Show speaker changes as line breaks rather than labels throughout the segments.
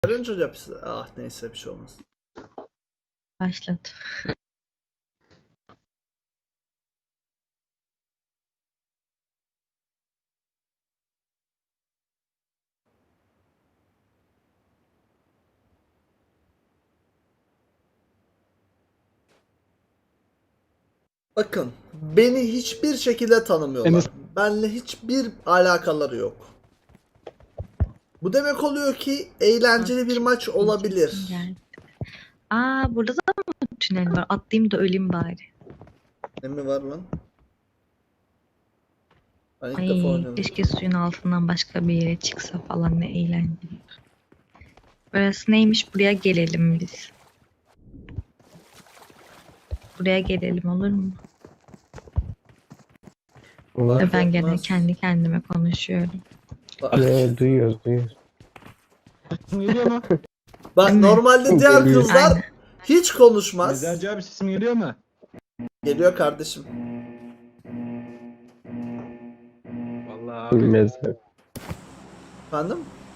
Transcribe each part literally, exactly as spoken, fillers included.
Önce hepsi. Ah neyse bir şey olmaz.
Başladı.
Bakın beni hiçbir şekilde tanımıyorlar.
Enes-
Benle hiçbir alakaları yok. Bu demek oluyor ki eğlenceli bir maç olabilir.
Geldi. Aa, burada da mı tünel var? Atlayayım da öleyim bari.
Ne mi var lan? Ben ilk defa
Ay,
oynuyorum.
keşke suyun altından başka bir yere çıksa falan, ne eğlenceli. Burası neymiş? Buraya gelelim biz. Buraya gelelim, olur mu?
Fark
Ve ben gene
etmez.
kendi kendime konuşuyorum.
Bak,
Ee, duyuyoruz duyuyoruz.
Geliyor mu?
bak
Değil mi?
normalde diğer
Geliyor.
kızlar
Aynen.
hiç konuşmaz.
Mezarcı abi sesim geliyor mu?
Geliyor kardeşim.
Vallahi abi.
Mezar.
Efendim?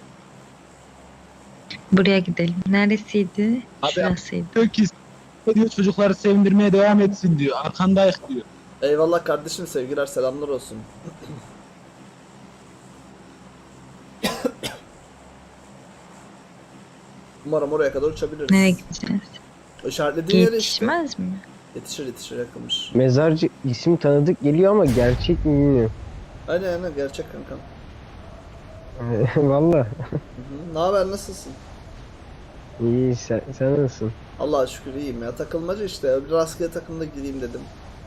Buraya gidelim. Neresiydi?
Abi-
Şurasıydı.
Diyor ki diyor çocukları sevindirmeye devam etsin diyor. Arkandayız diyor.
Eyvallah kardeşim, sevgiler selamlar olsun. Umarım oraya kadar uçabiliriz.
Nereye gideceğiz?
İşaretlediğin yere işte.
Yetişmez mi?
Yetişir yetişir, yakınmış.
Mezarcı isim tanıdık geliyor ama gerçek mi bilmiyorum.
Aynen aynen, gerçek kankam.
Valla.
Hı hı. Ne haber, nasılsın?
İyi sen, sen nasılsın?
Allah'a şükür iyiyim ya, takılmaca işte, bir rastgele takımda gireyim dedim.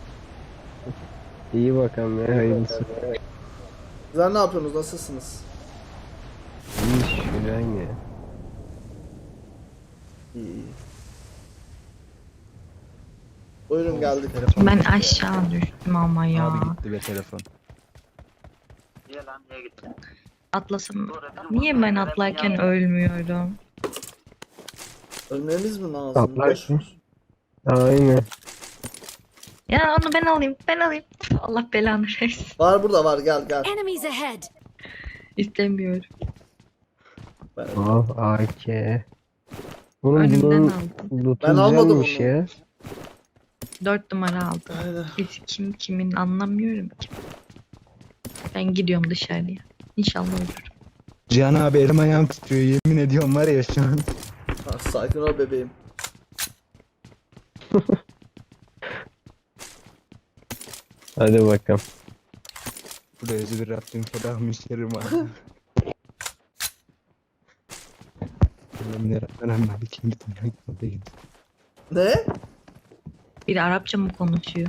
İyi bakalım ya hayırlısı.
Sizler ne yapıyorsunuz, nasılsınız?
İyi şükür aynı.
İyi iyi. Buyurun geldik.
Telefon
Ben
gitti.
aşağı düştüm ama ya.
Abi gitti be telefon.
Niye lan, niye gittin?
Atlasam. Niye ben atlarken ölmüyorum?
Ölmemiz mi lazım?
Atlar
Boş ver.
Aynen.
Ya onu ben alayım, ben alayım. Allah belanı versin.
Var burada var, gel gel.
Enemies ahead!
İstemiyorum.
Ben,
Al A K. Bunun
Önümden
bunun
aldım.
lootu
Ben almadım
güzelmiş
onu.
ya.
Dört numara aldım.
aynen.
Biz kim kimin anlamıyorum ki. Ben gidiyorum dışarıya. İnşallah ölürüm.
Cihan abi elim ayağım titriyor, yemin ediyorum var ya şu an.
Ha, sakin ol bebeğim.
Hadi bakalım.
Burada özü bir Rabbim fedah müşterim var. Allah'ım yarabbim abi kim bitir.
Ne?
Biri Arapça mı konuşuyor?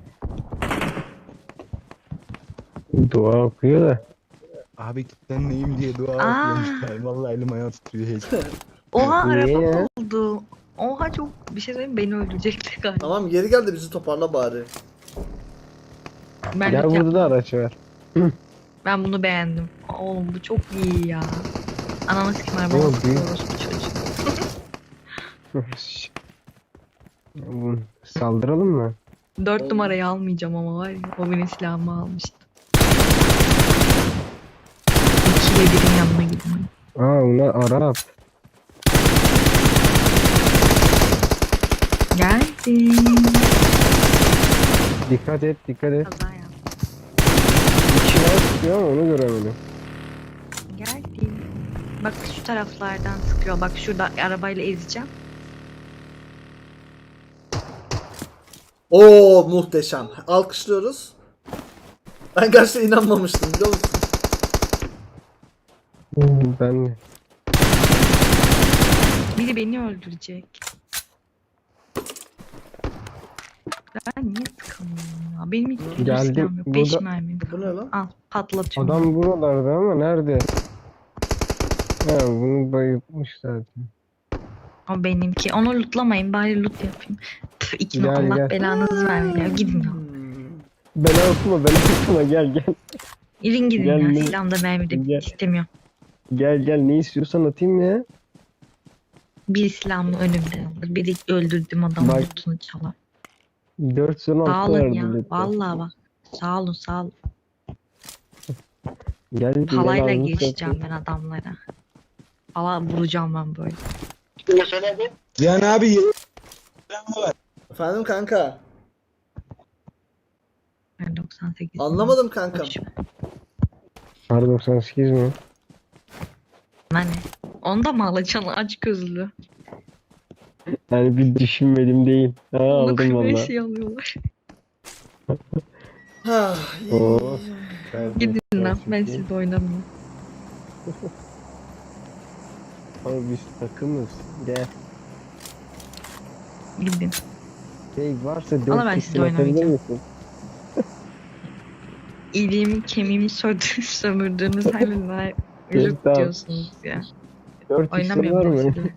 Dua okuyor da.
Abi ben neyim diye dua
Aa.
okuyorum. Vallahi elim ayağım titriyor heyecan.
Oha,
Niye
Arap
ya?
oldu. Oha, çok bir şey söyleyeyim, beni öldürecekti galiba.
Tamam, geri gel de bizi toparla bari.
Ben,
Gel
de-
burada da araç var.
ben bunu beğendim. Oğlum bu çok iyi ya. Ananı sikim araba
Yok,
olsun,
büyük.
orospu çocuğu.
Bu- Saldıralım mı?
Dört
Oğlum.
numarayı almayacağım ama var ya, o benim silahımı almıştı. İkiyle birin yanına gideyim.
Aa bunlar Arap.
Geldim.
Dikkat et dikkat et.
Kaza yaptım.
İçine sıkıyor ama onu göremedim.
Geldim. Bak şu taraflardan sıkıyor. Bak şurada arabayla ezeceğim.
Oo muhteşem. Alkışlıyoruz. Ben gerçekten inanmamıştım, biliyor musun?
Ben de.
Biri beni öldürecek. Ben niye sıkamıyorum ya? Benim hiç bir
Geldim.
silahım yok. Beş
Burada-
mermim
Bu ne
kaldı.
lan?
Al, patlatıyorum.
Adam buralarda ama nerede? Ha bunu bayıltmış zaten.
O benimki. Onu lootlamayın. Bari loot yapayım. Püf, iki
Gel,
Allah
gel.
belanızı versin ya. Gidin ya.
Hmm.
Bela okuma bela okuma gel gel.
İrin gidin
Gel,
ya.
ne-
Silahımda mermi de
Gel.
istemiyorum.
Gel gel ne istiyorsan atayım ya.
Bir silahımı önümden alır. Biri öldürdüğüm adamın
Bak.
lootunu çalar.
dört son
Sağ
altı
olun
verdi.
ya.
lütfen.
Vallahi bak. Sağ olun sağ olun.
Gel
Palayla
gel,
geçeceğim ben adamlara. Falan vuracağım ben böyle.
Cihan abi ye-
Efendim kanka.
Ben doksan sekiz.
Anlamadım kankam.
R doksan sekiz mi?
Hani onu da mı alacaksın aç gözlü?
Yani bir düşünmedim değil. Ha
Onu
aldım
kırmaya
valla.
şey alıyorlar.
Ha,
Oo.
Gidin lan ben sizle oynamıyorum.
Abi biz takımız. Gel.
Gidin.
Şey varsa
Ama
dört
ben
kişi
sizle
atabilir
oynamayacağım.
misin?
İliğimi kemiğimi sördü- sömürdüğünüz haline
Evet,
loot
tamam.
diyorsunuz ya.
dört kişi
Oynamıyorum
var
ben
mı?
sizinle.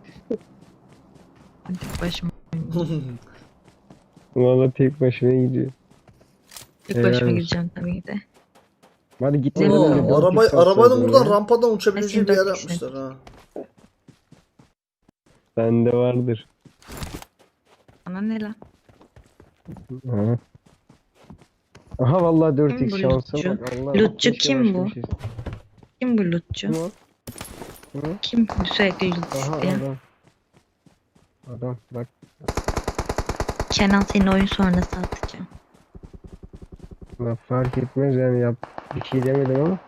Ben tek başıma oynayacağım.
Valla tek başına gidiyor.
Tek başıma
Helal olsun.
gideceğim tabii ki de.
Hadi gitmeden
Oo,
önce dört
araba,
kişi
arabanın
atsaydın
buradan
ya.
rampadan uçabileceği bir yer
Kesin dört
yapmışlar ha.
Bende vardır.
Bana ne lan?
Ha. Aha vallahi dört
Kim
x
bu
şansa
lootçu?
bak. Allah
Lootçu
keşke
kim
başka
bu?
bir şey-
Kim bu lootçu?
Kim o? Kim o?
Kim sürekli loot
Aha
isteyen?
adam. Adam bak.
Kenan senin oyun sonrası atacağım.
La fark etmez yani yap. Bir şey demedim ama.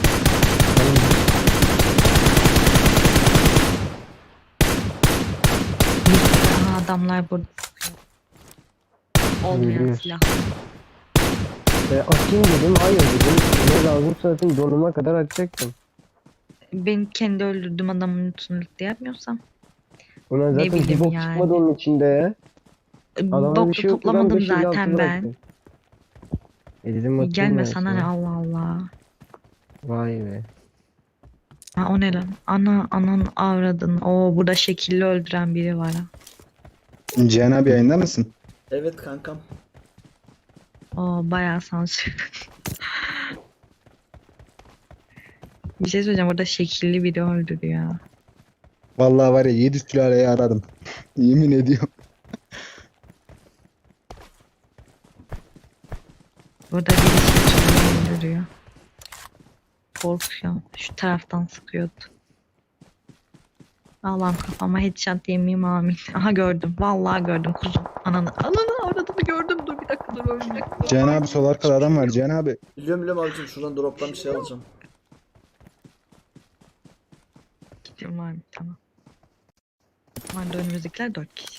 Aha adamlar burada sıkıyor. Olmayan
Görüyoruz.
silah.
E, atayım dedim. Hayır dedim. Ne lazım zaten donuma kadar atacaktım.
Ben kendi öldürdüğüm adamın lootunu loot'ta yapmıyorsam.
Ulan
Ne
zaten bir
bileyim
bok
yani.
çıkmadı onun içinde ya. Adamda bir
Bok da
şey yoktu lan
toplamadım
beş elli altı
zaten ben.
bıraktı. E dedim atayım
Gelme
ben
sana ne Allah Allah.
Vay be.
Ha o ne lan? Ana anan avradın. Oo burada şekilli öldüren biri var ha.
Cihan abi yayında mısın?
Evet kankam.
Oo bayağı sansür. Bir şey söyleyeceğim burada şekilli biri öldürüyor.
Vallahi var ya yedi sülaleyi aradım. Yemin ediyorum.
Burada biri şekilli öldürüyor. Korkuyorum. Şu taraftan sıkıyordu. Allah'ım kafama headshot yemeyeyim amin. Aha gördüm. Vallahi gördüm kuzum. Ananı. Ananı aradığını gördüm. Dur bir dakika dur bir dakika.
Cihan abi sol arkada adam var Cihan abi.
Biliyorum biliyorum abicim, şuradan drop'tan bir şey alacağım.
Gidiyorum abi tamam. Var da önümüzdekiler dört kişi.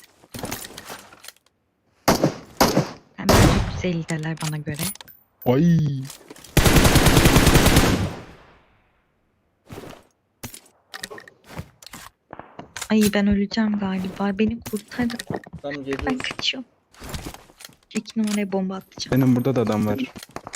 Hemen çok güzeller bana göre.
Ay.
Ay ben öleceğim galiba. Beni kurtarın.
Tamam
Ben
geliyoruz.
kaçıyorum. İki numaraya bomba atacağım.
Benim burada da adam var.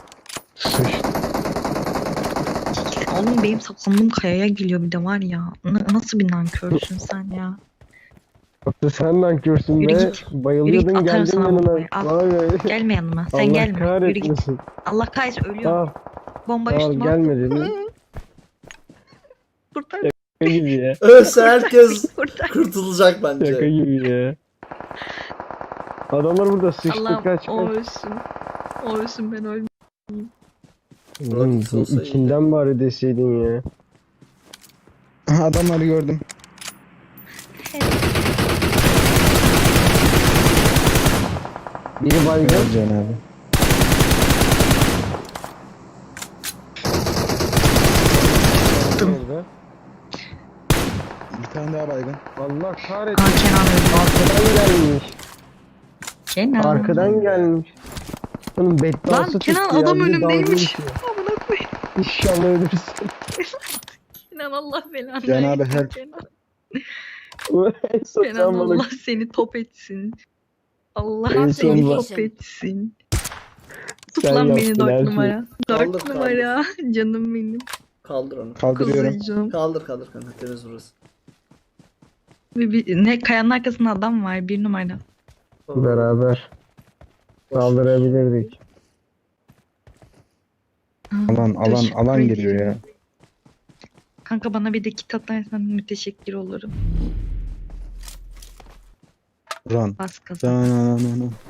Oğlum benim saklandığım kayaya geliyor bir de var ya. N- nasıl bir nankörsün sen ya?
Hatta sen lan görsün
Yürü
be.
git.
Bayılıyordun
Yürü git, atarım
geldin
sana
yanına.
bombayı. Al.
Vay be.
Gelme yanıma. Sen
Allah
gelme. Yürü git.
kahretmesin.
Allah kahretsin ölüyorum.
Al,
Bomba
al
üstüme attı.
gelme dedim.
Kurtar.
Şaka gibi ya.
Ölse herkes
Kurtar.
kurtulacak
Şaka
bence.
gibi ya. Adamlar burada sıçtı
Allah'ım
kaç
o
kaç.
ölsün. O ölsün ben ölmeyeyim.
Oğlum,
Rocket olsa
içinden bari deseydin ya.
Aha, adamları gördüm.
Biri baygın.
Gel Cihan abi.
Nerede?
Bir tane daha baygın.
Allah
Aa
kahretsin.
Kenan öldü.
Arkadan gelmiş.
Kenan.
Arkadan gelmiş. Onun bedduası
Lan Kenan
tuttu ya,
adam
bir de dalga
önümdeymiş.
geçiyor.
Amına koyayım.
İnşallah ölürsün.
Kenan Allah belanı
Kenan abi,
versin,
help.
Kenan.
En son
Kenan
sen bana
Allah seni top etsin. Allah
En
seni
son
top etsin. Tut
Sen
lan beni
yaptın her
dört
şeyi.
numara.
Kaldır,
Dört
kaldır.
numara. Canım benim.
Kaldır onu.
Kaldırıyorum.
Kuzucuğum.
Kaldır kaldır kanka, temiz burası.
Bir, bir, ne kayanın arkasında adam var bir numara.
beraber saldırabilirdik.
Alan alan
Teşekkür
alan
ederim.
geliyor ya.
Kanka bana bir de kit atarsan müteşekkir olurum.
Run.
Bas kazan.
Run, run, run.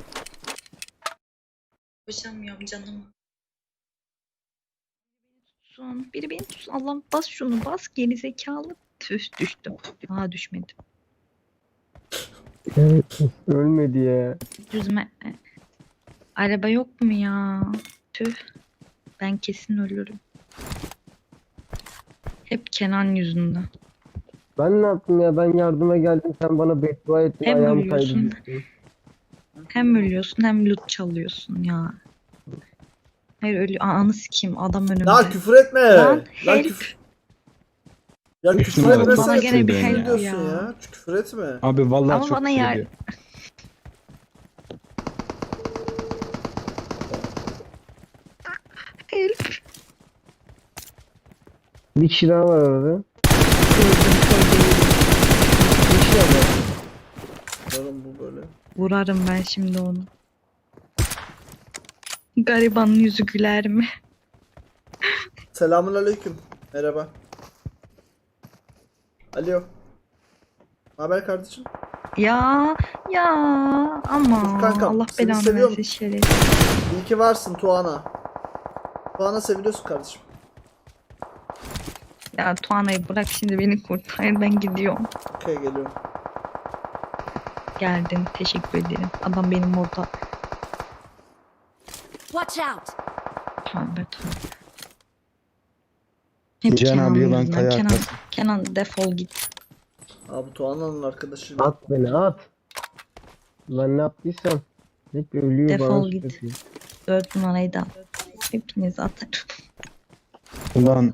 Koşamıyorum canım. Tutsun. Biri beni tutsun. Allah'ım bas şunu bas geri zekalı. Tüh düştüm. Aa düşmedim.
Ölmedi ya.
Düzme. Araba yok mu ya? Tüh. Ben kesin ölürüm. Hep Kenan yüzünden.
Ben ne yaptım ya? Ben yardıma geldim. Sen bana beddua ettin.
Hem
Ayağım
ölüyorsun.
kaydı. düştüm.
Hem ölüyorsun hem loot çalıyorsun ya. Hayır ölü anı sikeyim adam önümde.
Ya küfür etme.
Lan
Ya
help.
küfür. Ya küfür
Bana
etmesene.
gene bir
Küfür
help
ediyorsun
ya.
ya. Küfür etme.
Abi vallahi
Ama
çok
bana
küfür
yer-
ediyor.
Help.
Bir kişi daha var orada.
Gördüm köydeyi.
Bir kişi daha var.
Oğlum bu böyle.
Vurarım ben şimdi onu. Garibanın yüzü güler mi?
Selamun aleyküm. Merhaba. Alo. Haber kardeşim?
Ya ya ama
Kankam,
Allah
seni
belanı
seviyorum.
versin şerefsiz.
İyi ki varsın Tuana. Tuana seviliyorsun kardeşim.
Ya Tuana'yı bırak şimdi beni kurtar ben gidiyorum.
Okey geliyorum.
Geldin teşekkür ederim. Adam benim orada.
Watch out!
Tövbe tövbe. Hep
Cihan
Kenan'ın
abi yılan
yüzünden.
kaya
Kenan,
arkası.
Kenan defol git.
Abi Tuana'nın arkadaşı.
At beni at. Ben ne yaptıysam. Hep ölüyor
Defol
bana.
git.
sürekli.
Dört numarayı da hepiniz atarım.
Ulan.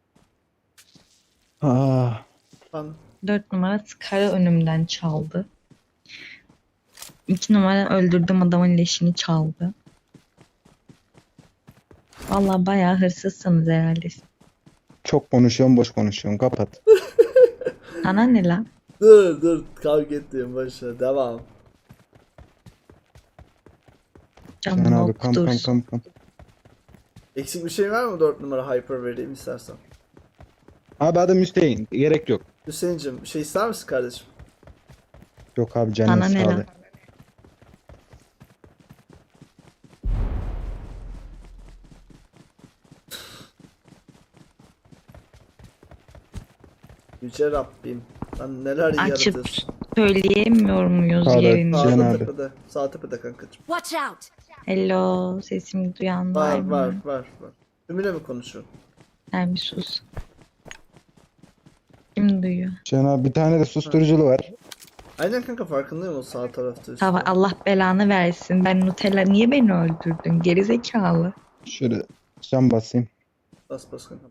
Ah.
Ben
Dört numara Scar'ı önümden çaldı. İki numara öldürdüm adamın leşini çaldı. Vallahi bayağı hırsızsınız herhalde.
Çok konuşuyorum boş konuşuyorum. Kapat.
Sana ne lan?
dur dur kavga ettiğim başla devam.
Canım
Cihan abi kam kam
okutursun.
kam kam.
Eksik bir şey var mı dört numara hyper vereyim istersen?
Abi adım Hüseyin. Gerek yok.
Hüseyin'cim bir şey ister misin kardeşim?
Yok abi canın
Sana ne
sağ ol.
lan?
Yüce Rabbim. Lan neler
Açıp
yaratıyorsun.
söyleyemiyor muyuz
Pardon,
yerini?
Cihan
Sağ
abi.
tepede. Sağ tepede kankacığım.
Watch out!
Hello sesimi duyan var
Var
mı?
var var var. Ümüne mi konuşuyorsun?
Sen bir sus. Kim duyuyor?
Cihan abi bir tane de susturuculu var.
Aynen kanka farkındayım o sağ tarafta işte.
Tamam Allah belanı versin. Ben Nutella niye beni öldürdün? Gerizekalı.
Şöyle cam basayım.
Bas bas kanka.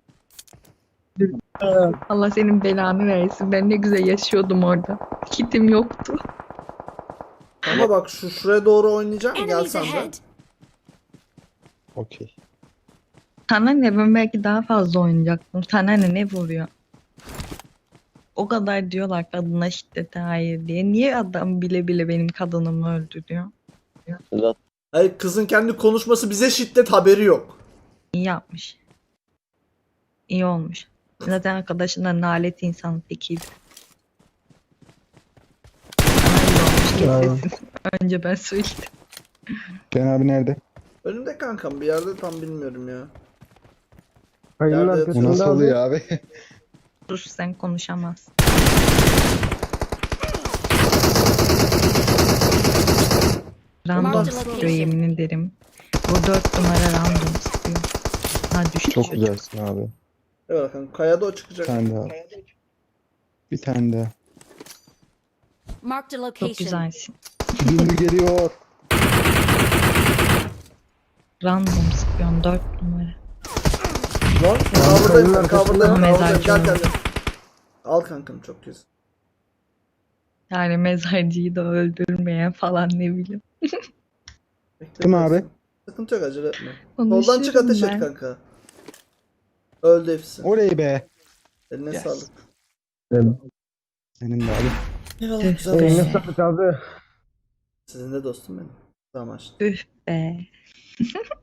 Allah senin belanı versin. Ben ne güzel yaşıyordum orada. Kitim yoktu.
Ama bak şu şuraya doğru oynayacağım gel
Enemies
sen de.
ahead!
Okey.
Sana ne ben belki daha fazla oynayacaktım. Sana ne ne vuruyor? O kadar diyorlar kadına şiddete hayır diye. Niye adam bile bile benim kadınımı öldürüyor?
Hayır kızın kendi konuşması bize şiddet haberi yok.
İyi yapmış. İyi olmuş. Zaten arkadaşından nalet insan tekiydi. Sana iyi olmuş kes sesini. Önce ben söyledim.
Cihan abi nerede?
Önümde kankam bir yerde tam bilmiyorum ya.
Kayının
Nerede
Bu
arkasında
nasıl
abi.
oluyor abi?
Sus sen konuşamazsın. Random
Marked
sıkıyor
location.
yemin ederim. Bu dört numara random sıkıyor. Ha düştü
Çok
çocuk.
güzelsin abi.
Evet kanka kayada o
Bir
çıkacak.
tane daha. Bir tane daha.
Marked a
Çok
location.
güzelsin.
Gündü geliyor.
Random sıkıyorsun dört numara.
Lan
kayının
kavurdayım
arkasında
kavurdayım kavurdayım
mezarcı
gel
var.
gel. Al kankam çok güzel.
Yani mezarcıyı da öldürmeyen falan ne bileyim.
Bekle
Kim
biraz.
abi?
Sıkıntı yok acele etme.
Konuşurum
Soldan çık ateş
ben.
et kanka. Öldü hepsi.
Oley be.
Eline
Yes.
sağlık.
Senin de abi.
Eyvallah
Tüh
güzel
be.
Eline
dostum.
sağlık abi.
Sizin de dostum benim. Tamam açtım.
Üf be.